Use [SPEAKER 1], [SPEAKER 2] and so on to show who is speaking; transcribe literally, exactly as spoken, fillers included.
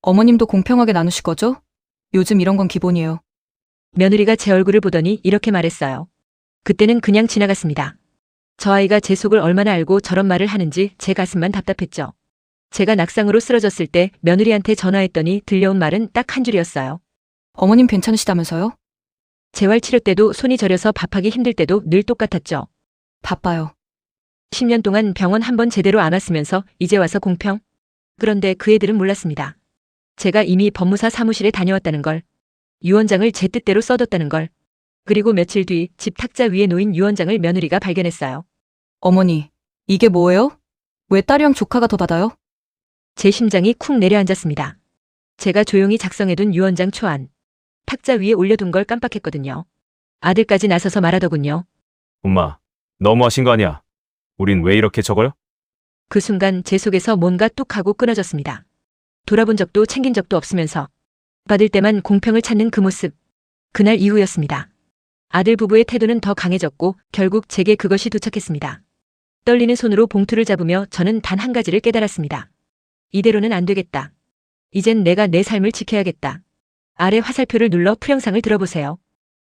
[SPEAKER 1] 어머님도 공평하게 나누실 거죠? 요즘 이런 건 기본이에요.
[SPEAKER 2] 며느리가 제 얼굴을 보더니 이렇게 말했어요. 그때는 그냥 지나갔습니다. 저 아이가 제 속을 얼마나 알고 저런 말을 하는지 제 가슴만 답답했죠. 제가 낙상으로 쓰러졌을 때 며느리한테 전화했더니 들려온 말은 딱 한 줄이었어요.
[SPEAKER 1] 어머님 괜찮으시다면서요?
[SPEAKER 2] 재활 치료 때도 손이 저려서 밥하기 힘들 때도 늘 똑같았죠.
[SPEAKER 1] 바빠요.
[SPEAKER 2] 십 년 동안 병원 한 번 제대로 안 왔으면서 이제 와서 공평? 그런데 그 애들은 몰랐습니다. 제가 이미 법무사 사무실에 다녀왔다는 걸, 유언장을 제 뜻대로 써뒀다는 걸, 그리고 며칠 뒤 집 탁자 위에 놓인 유언장을 며느리가 발견했어요.
[SPEAKER 1] 어머니, 이게 뭐예요? 왜 딸이랑 조카가 더 받아요?
[SPEAKER 2] 제 심장이 쿵 내려앉았습니다. 제가 조용히 작성해둔 유언장 초안, 탁자 위에 올려둔 걸 깜빡했거든요. 아들까지 나서서 말하더군요.
[SPEAKER 3] 엄마, 너무하신 거 아니야? 우린 왜 이렇게 적어요?
[SPEAKER 2] 그 순간 제 속에서 뭔가 뚝 하고 끊어졌습니다. 돌아본 적도 챙긴 적도 없으면서 받을 때만 공평을 찾는 그 모습. 그날 이후였습니다. 아들 부부의 태도는 더 강해졌고 결국 제게 그것이 도착했습니다. 떨리는 손으로 봉투를 잡으며 저는 단 한 가지를 깨달았습니다. 이대로는 안 되겠다. 이젠 내가 내 삶을 지켜야겠다. 아래 화살표를 눌러 풀영상을 들어보세요.